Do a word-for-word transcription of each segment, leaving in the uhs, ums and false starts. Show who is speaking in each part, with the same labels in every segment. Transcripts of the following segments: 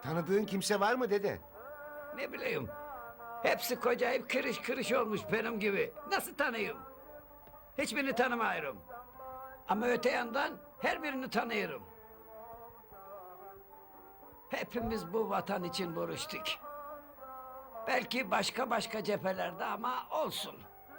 Speaker 1: Tanıdığın kimse var mı dede?
Speaker 2: Ne bileyim. Hepsi kocayıp kırış kırış olmuş benim gibi. Nasıl tanıyayım? Hiçbirini tanımıyorum. Ama öte yandan her birini tanıyorum. Hepimiz bu vatan için vuruştuk. Belki başka başka cephelerde ama olsun.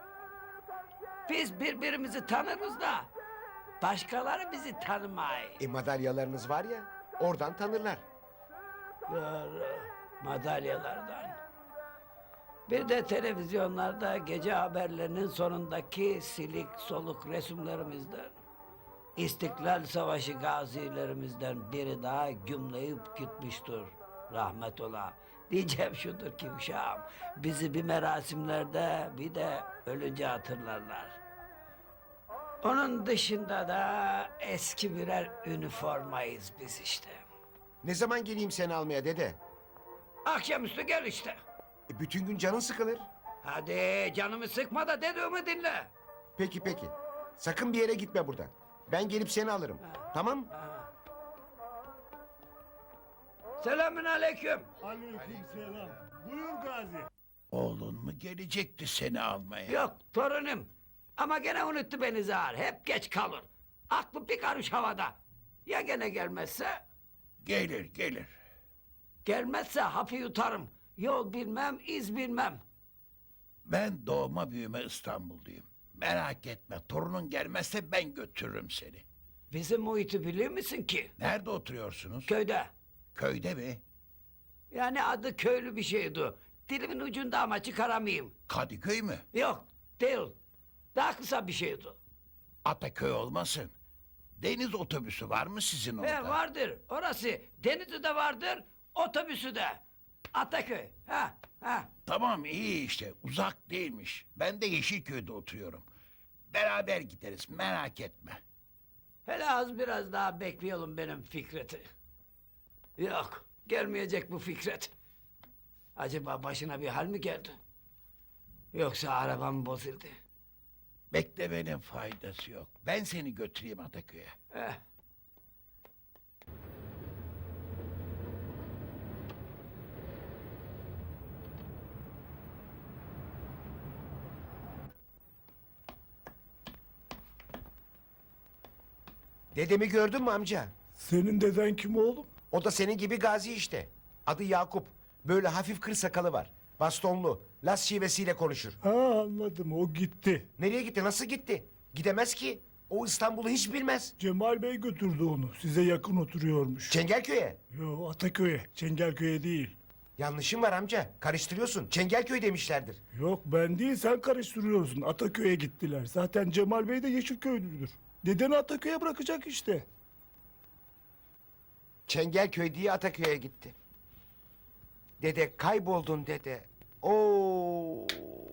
Speaker 2: Biz birbirimizi tanırız da başkaları bizi tanımay.
Speaker 1: E madalyalarınız var ya, oradan tanırlar.
Speaker 2: Doğru, madalyalardan. Bir de televizyonlarda gece haberlerinin sonundaki silik soluk resimlerimizden. İstiklal Savaşı gazilerimizden biri daha gümleyip gitmiştir. Rahmet ola. Diyeceğim şudur ki uşağım, bizi bir merasimlerde bir de ölünce hatırlarlar. Onun dışında da eski birer üniformayız biz işte.
Speaker 1: Ne zaman geleyim seni almaya dede?
Speaker 2: Akşamüstü gel işte.
Speaker 1: E, bütün gün canın sıkılır.
Speaker 2: Hadi canımı sıkma da dediğimi dinle.
Speaker 1: Peki peki. Sakın bir yere gitme buradan. Ben gelip seni alırım. Tamam?
Speaker 2: Selamün aleyküm.
Speaker 3: Aleykümselam. Buyur Gazi.
Speaker 4: Oğlun mu gelecekti seni almaya?
Speaker 2: Yok torunum. Ama gene unuttu beni zar. Hep geç kalır. Aklı bir karış havada. Ya gene gelmezse?
Speaker 4: Gelir gelir.
Speaker 2: Gelmezse hapı yutarım. Yol bilmem, iz bilmem.
Speaker 4: Ben doğma büyüme İstanbulluyum. Merak etme, torunun gelmezse ben götürürüm seni.
Speaker 2: Bizim muhiti biliyor musun ki?
Speaker 4: Nerede oturuyorsunuz?
Speaker 2: Köyde.
Speaker 4: Köyde mi?
Speaker 2: Yani adı köylü bir şeydi. Dilimin ucunda ama çıkaramayayım.
Speaker 4: Kadıköy mü?
Speaker 2: Yok, değil. Daha kısa bir şeydi.
Speaker 4: Ataköy olmasın. Deniz otobüsü var mı sizin orada?
Speaker 2: He, vardır. Orası. Denizi de vardır, otobüsü de. Ataköy. Ha, ha.
Speaker 4: Tamam iyi işte, uzak değilmiş. Ben de Yeşilköy'de oturuyorum. Beraber gideriz, merak etme.
Speaker 2: Hele az biraz daha bekleyelim benim Fikret'i. Yok, gelmeyecek bu Fikret. Acaba başına bir hal mi geldi? Yoksa arabam bozuldu.
Speaker 4: Beklemenin faydası yok. Ben seni götüreyim Ataköy'e.
Speaker 2: Eh.
Speaker 1: Dedemi gördün mü amca?
Speaker 3: Senin deden kim oğlum?
Speaker 1: O da senin gibi gazi işte. Adı Yakup. Böyle hafif kır sakalı var. Bastonlu. Las şivesiyle konuşur.
Speaker 3: Ha anladım, o gitti.
Speaker 1: Nereye gitti? Nasıl gitti? Gidemez ki. O İstanbul'u hiç bilmez.
Speaker 3: Cemal Bey götürdü onu. Size yakın oturuyormuş.
Speaker 1: Çengelköy'e.
Speaker 3: Yo, Ataköy'e, Çengelköy'e değil.
Speaker 1: Yanlışın var amca. Karıştırıyorsun. Çengelköy demişlerdir.
Speaker 3: Yok ben değil, sen karıştırıyorsun. Ataköy'e gittiler. Zaten Cemal Bey de Yeşilköylüdür. Dedeni Ataköy'e bırakacak işte.
Speaker 1: Çengelköy diye Ataköy'e gitti. Dede kayboldun dede. Oo.